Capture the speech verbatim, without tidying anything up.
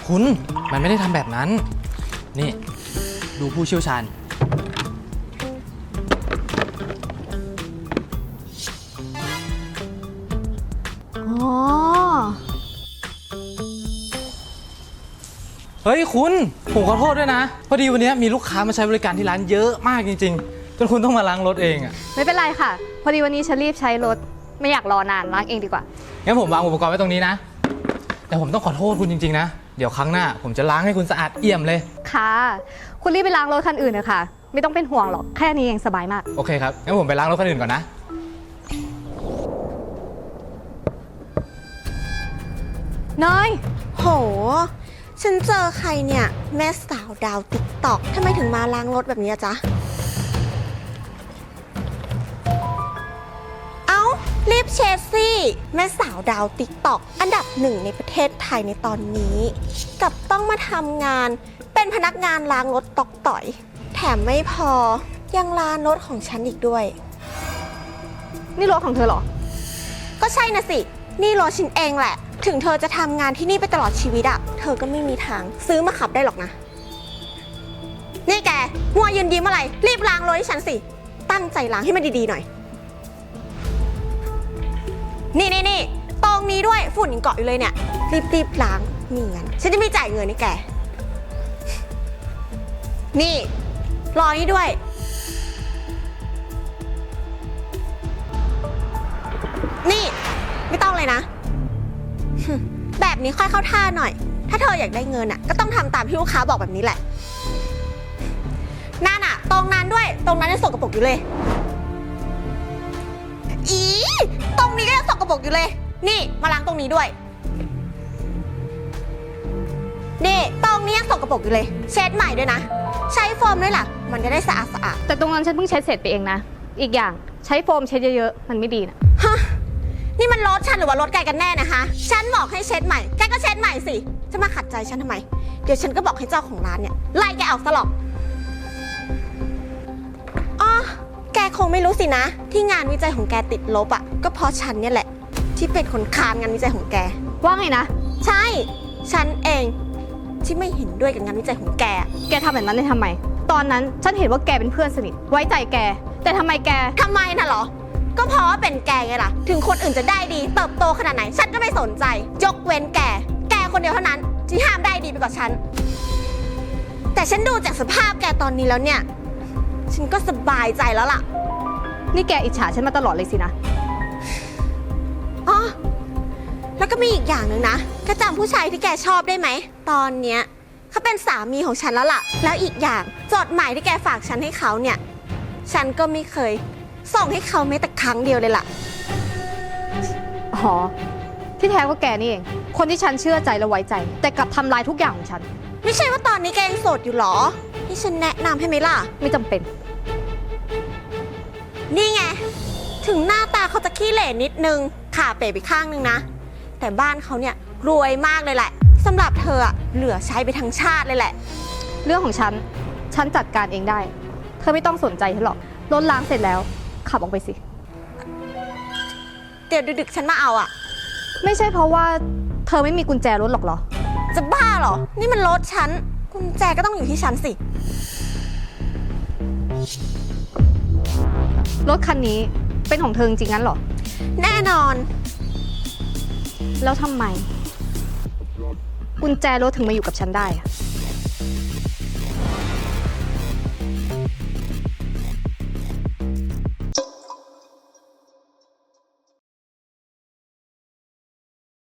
คุณมันไม่ได้ทำแบบนั้นนี่ดูผู้เชี่ยวชาญอ๋อเฮ้ยคุณผมขอโทษด้วยนะพอดีวันนี้มีลูกค้ามาใช้บริการที่ร้านเยอะมากจริงๆจนคุณต้องมาล้างรถเองอ่ะไม่เป็นไรค่ะพอดีวันนี้ฉันรีบใช้รถไม่อยากรอนานล้างเองดีกว่างั้นผมวางอุปกรณ์ไว้ตรงนี้นะแต่ผมต้องขอโทษคุณจริงๆนะเดี๋ยวครั้งหน้าผมจะล้างให้คุณสะอาดเอี่ยมเลยค่ะคุณรีบไปล้างรถคันอื่นเลยค่ะไม่ต้องเป็นห่วงหรอกแค่นี้เองสบายมากโอเคครับงั้นผมไปล้างรถคันอื่นก่อนนะเนยโหฉันเจอใครเนี่ยแม่สาวดาวติ๊กตอกทำไมถึงมาล้างรถแบบนี้จ๊ะเอ้ารีบเช็ดสิแม่สาวดาวติ๊กตอกอันดับหนึ่งในประเทศไทยในตอนนี้กับต้องมาทำงานเป็นพนักงานล้างรถตอกต่อยแถมไม่พอยังล้างรถของฉันอีกด้วยนี่รถของเธอเหรอก็ใช่นะสินี่รถฉันเองแหละถึงเธอจะทำงานที่นี่ไปตลอดชีวิตอะเธอก็ไม่มีทางซื้อมาขับได้หรอกนะนี่แกมัวยืนยิ้มอะไรรีบล้างรถให้ฉันสิตั้งใจล้างให้มันดีๆหน่อยนี่นี่นี่ตรงนี้ด้วยฝุ่นยังเกาะอยู่เลยเนี่ยรีบๆล้างนี่งั้นฉันจะไม่จ่ายเงินให้แกนี่รอนี่ด้วยนี่ไม่ต้องเลยนะแบบนี้ค่อยเข้าท่าหน่อยถ้าเธออยากได้เงินอ่ะก็ต้องทำตามที่ลูกค้าบอกแบบนี้แหละนั่นอ่ะตรงนั้นด้วยตรงนั้นยังสกปรกอยู่เลยอีตรงนี้ก็ยังสกปรกอยู่เลยนี่มาล้างตรงนี้ด้วยนี่ตรงนี้ยังสกปรกอยู่เลยเช็ดใหม่ด้วยนะใช้โฟมด้วยล่ะมันจะได้สะอาดสะอาดแต่ตรงนั้นฉันเพิ่งเช็ดเสร็จไปเองนะอีกอย่างใช้โฟมเช็ดเยอะๆมันไม่ดีนะฮะนี่มันรถฉันหรือว่ารถแกกันแน่นะคะฉันบอกให้เช็ดใหม่แกก็เช็ดใหม่สิจะมาขัดใจฉันทำไมเดี๋ยวฉันก็บอกให้เจ้าของร้านเนี่ยไล่แกออกซะหรอกอ๋อแกคงไม่รู้สินะที่งานวิจัยของแกติดลบอ่ะก็เพราะฉันเนี่ยแหละที่เป็นคนค้านงานวิจัยของแกว่าไงนะใช่ฉันเองที่ไม่เห็นด้วยกับงานวิจัยของแกแกทำแบบนั้นได้ทำไมตอนนั้นฉันเห็นว่าแกเป็นเพื่อนสนิทไว้ใจแกแต่ทำไมแกทำไมน่ะเหรอก็เพราะว่าเป็นแกไงล่ะถึงคนอื่นจะได้ดีเติบโตขนาดไหนฉันก็ไม่สนใจยกเว้นแกแกคนเดียวเท่านั้นที่ห้ามได้ดีไปกว่าฉันแต่ฉันดูจากสภาพแกตอนนี้แล้วเนี่ยฉันก็สบายใจแล้วล่ะนี่แกอิจฉาฉันมาตลอดเลยสินะอ๋อแล้วก็มีอีกอย่างหนึ่งนะแกจำผู้ชายที่แกชอบได้ไหมตอนเนี้ยเขาเป็นสามีของฉันแล้วล่ะแล้วอีกอย่างจดหมายที่แกฝากฉันให้เขาเนี่ยฉันก็ไม่เคยส่งให้เขาแม้แต่ครั้งเดียวเลยล่ะอ๋อที่แท้ก็แกนี่เองคนที่ฉันเชื่อใจและไว้ใจแต่กลับทำลายทุกอย่างของฉันไม่ใช่ว่าตอนนี้แกยังโสดอยู่หรอที่ฉันแนะนำให้ไหมล่ะไม่จำเป็นนี่ไงถึงหน้าตาเขาจะขี้เหร่นิดนึงขาเป๋ไปข้างนึงนะแต่บ้านเขาเนี่ยรวยมากเลยแหละสำหรับเธอเหลือใช้ไปทั้งชาติเลยแหละเรื่องของฉันฉันจัดการเองได้เธอไม่ต้องสนใจฉันหรอกรถล้างเสร็จแล้วขับออกไปสิเดี๋ยวดึกๆฉันมาเอาอ่ะไม่ใช่เพราะว่าเธอไม่มีกุญแจรถหรอกเหรอจะบ้าเหรอนี่มันรถฉันกุญแจก็ต้องอยู่ที่ฉันสิรถคันนี้เป็นของเธอจริงๆงั้นเหรอแน่นอนแล้วทำไมกุญแจรถถึงมาอยู่กับฉันได้อะ